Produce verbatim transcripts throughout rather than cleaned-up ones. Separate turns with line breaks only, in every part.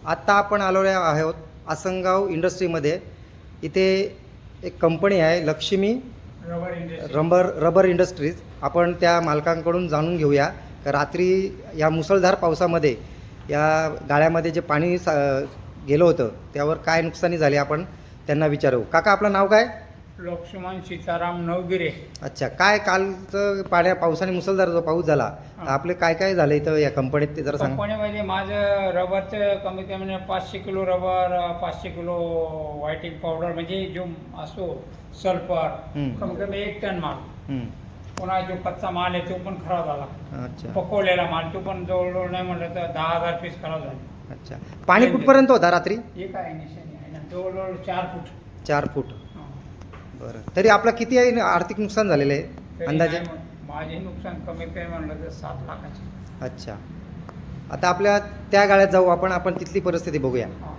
आत्ता आपण आलेलो आहोत आसनगाव इंडस्ट्रीमध्ये. इथे एक कंपनी आहे Lakshmi
rubber industry.
Rubber rubber industries. आपण त्या मालकांकडून जाणून घेऊया का रात्री या मुसळधार पावसामध्ये या गाळ्यामध्ये जे पाणी सा गेलं होतं त्यावर काय नुकसानी झाली आपण त्यांना विचारू. काका आपलं नाव काय?
लक्ष्मण सीताराम नवगिरे.
अच्छा, काय कालचं पाण्या पावसाने मुसळधार जो पाऊस झाला तर आपले काय काय झालं इथं या कंपनीत ते जरा सांग.
कंपनीमध्ये माझं रबरचं कमीत कमी पाचशे किलो रबर, पाचशे किलो व्हायटिंग पावडर म्हणजे जो असतो सल्फर,
हम्म.
कमीत कमी एक टन माल.
हं.
पुन्हा जो कच्चा माल आहे तो पण खराब झाला.
अच्छा
पकवलेला माल तो पण जवळजवळ नाही म्हटलं तर दहा हजार पीस खराब झाले.
अच्छा, पाणी कुठपर्यंत होता रात्री?
एक आहे निशाणी आहे ना, जवळजवळ चार फूट.
चार फूट.
हा.
बरं, तरी आपलं किती आहे आर्थिक नुकसान झालेलं आहे
तरी
अंदाजे?
नाही म्हण- माझे नुकसान कमीत कमी म्हणलं तर सात लाखाचे.
अच्छा, आता आपल्या त्या गाळ्यात जाऊ आपण आपण तिथली परिस्थिती बघूया.
हा.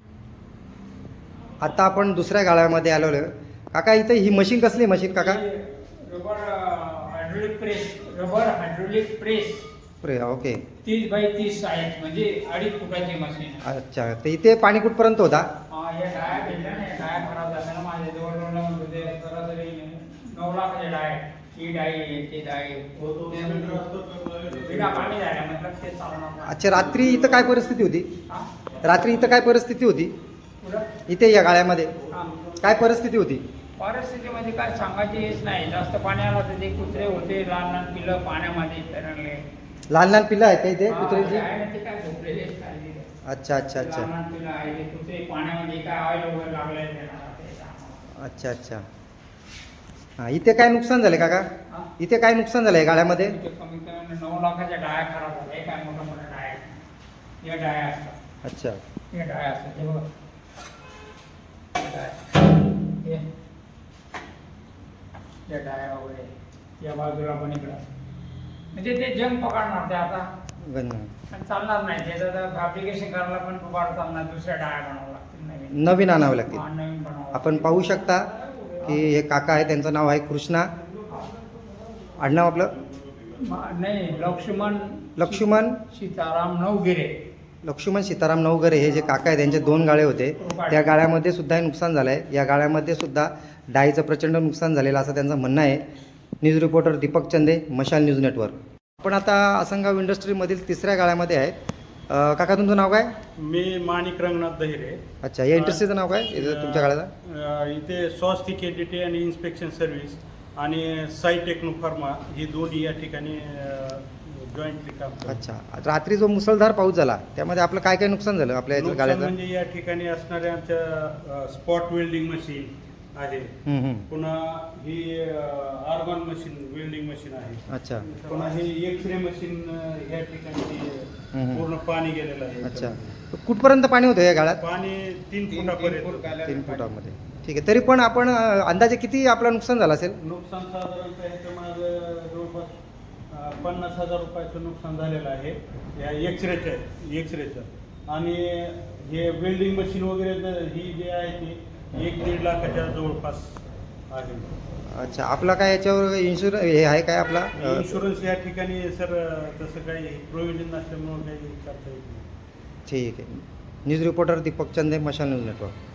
आता आपण दुसऱ्या गाळ्यामध्ये आलेलो आहे. काका इथं ही मशीन कसली मशीन काका?
ही rubber hydraulic press. Rubber hydraulic press
प्रे ओके.
तीस बाय तीस साईज म्हणजे अडीच फुटाची मशीन.
अच्छा, तर इथे पाणी कुठपर्यंत होता?
हा, या डाया भेटल्या ना, या डाया खराब झाल्या ना माझे जवळजवळ नऊ होते सरासरी नऊ लाखाचे डाय. ही डाई आहे, ते डाई बिना पाणी झाल्या मतलब ते चालणार नाही.
अच्छा, रात्री इथं काय परिस्थिती होती?
हा?
रात्री इथं काय परिस्थिती होती
पुढं?
इथे या गाळ्यामध्ये
हा.
काय परिस्थिती होती?
परिस्थितीमध्ये काय सांगायची हेच नाही. जास्त पाणी आलं तर ते कुत्रे होते, लहान लहान पिलं पाण्यामध्ये तरंगले.
लहान लहान पिल्लं आहेत का इथे
हा,
कुत्र्यांची?
आहे ना, ते काय झोपलेले आहेत काय ते.
अच्छा अच्छा अच्छा
लहान लहान पिलं आहे ते कुत्रे पाण्यामध्ये काय ऑइल वगैरे लागले त्यांना ते सांगा.
अच्छा अच्छा. हां, इथे काय नुकसान झालं काका?
हा?
इथे काय नुकसान झालं आहे गाळ्यामध्ये?
इथे कमीत कमी नऊ लाखाच्या डाया खराब झाल्या. हे काय मोठ्या मोठ्या डाया आहेत. या डाया असतात.
अच्छा.
हे डाया असतात हे बघा. हे डाया. हे. या डाया वगैरे या बाजूला पण इकडं म्हणजे ते जंग पकडणार ते आता
गण
आणि चालणार नाही. त्याचं फॅब्रिकेशन करायला पण दुबार चालणार. दुसऱ्या डाया बनावं लागतील नवीन.
नवीन आणावे लागतील.
हा, नवीन बनावं.
आपण पाहू शकता की हे काका आहे, त्यांचं नाव आहे कृष्णा. आडनाव आपलं?
मा- नाही लक्ष्मण
लक्ष्मण
सीताराम नवगिरे.
लक्ष्मण सीताराम नवगरे हे जे काका आहे त्यांचे दोन गाळे होते. त्या गाळ्यामध्ये सुद्धा हे नुकसान झालं आहे. या गाळ्यामध्ये सुद्धा डाळीचं प्रचंड नुकसान झालेलं असं त्यांचं म्हणणं आहे. न्यूज रिपोर्टर दीपक चंदे, मशाल न्यूज नेटवर्क. आपण आता आसनगाव इंडस्ट्रीमधील तिसऱ्या गाळ्यामध्ये आहे. अं, काका तुमचं नाव काय?
मी माणिक रंगनाथ दहिरे.
अच्छा, या इंडस्ट्रीचं नाव काय इथं तुमच्या गाळ्याचं?
अ, इथे स्वास्तिक एडिटी आणि इन्स्पेक्शन सर्व्हिस आणि साई टेक्नो फार्मा ही दोन्ही या ठिकाणी जॉईंटली काम करतात.
अच्छा, रात्री जो मुसळधार पाऊस झाला त्यामध्ये आपलं काय काय नुकसान झालं आपल्या इथं
नुकसान
गाळ्याचं?
म्हणजे या ठिकाणी असणाऱ्या आमच्या स्पॉट वेल्डिंग मशीन आहे.
हं, हं.
पुन्हा ही आर्गन मशीन वेल्डिंग मशीन आहे.
अच्छा
पुन्हा ही एक्सरे मशीन या ठिकाणी
हम्म.
पूर्ण पाणी गेलेलं आहे.
अच्छा, कुठपर्यंत पाणी होतं या गाळ्यात?
पाणी तीन फुटापर्यंत.
तीन फुटामध्ये. ठीक आहे, तरी पण आपण अं, अंदाजे किती आपलं नुकसान झालं असेल?
नुकसान साधारणतः ह्याचं माझं जवळपास अं, पन्नास हजार रुपयाचं नुकसान झालेलं आहे या एक्सरेचं एक्सरेचं आणि हे वेल्डिंग मशीन वगैरे ज- ही जे आहे ती एक दीड लाखाच्या जवळपास आहे.
अच्छा, आपला काय याच्यावर इन्शुरन्स हे आहे काय आपला? अं,
इन्शुरन्स या ठिकाणी सर तसं काही प्रोव्हिजन नसल्यामुळं काही करता येत नाही.
ठीक आहे. न्यूज रिपोर्टर दीपक चंदे, मशाल न्यूज नेटवर्क.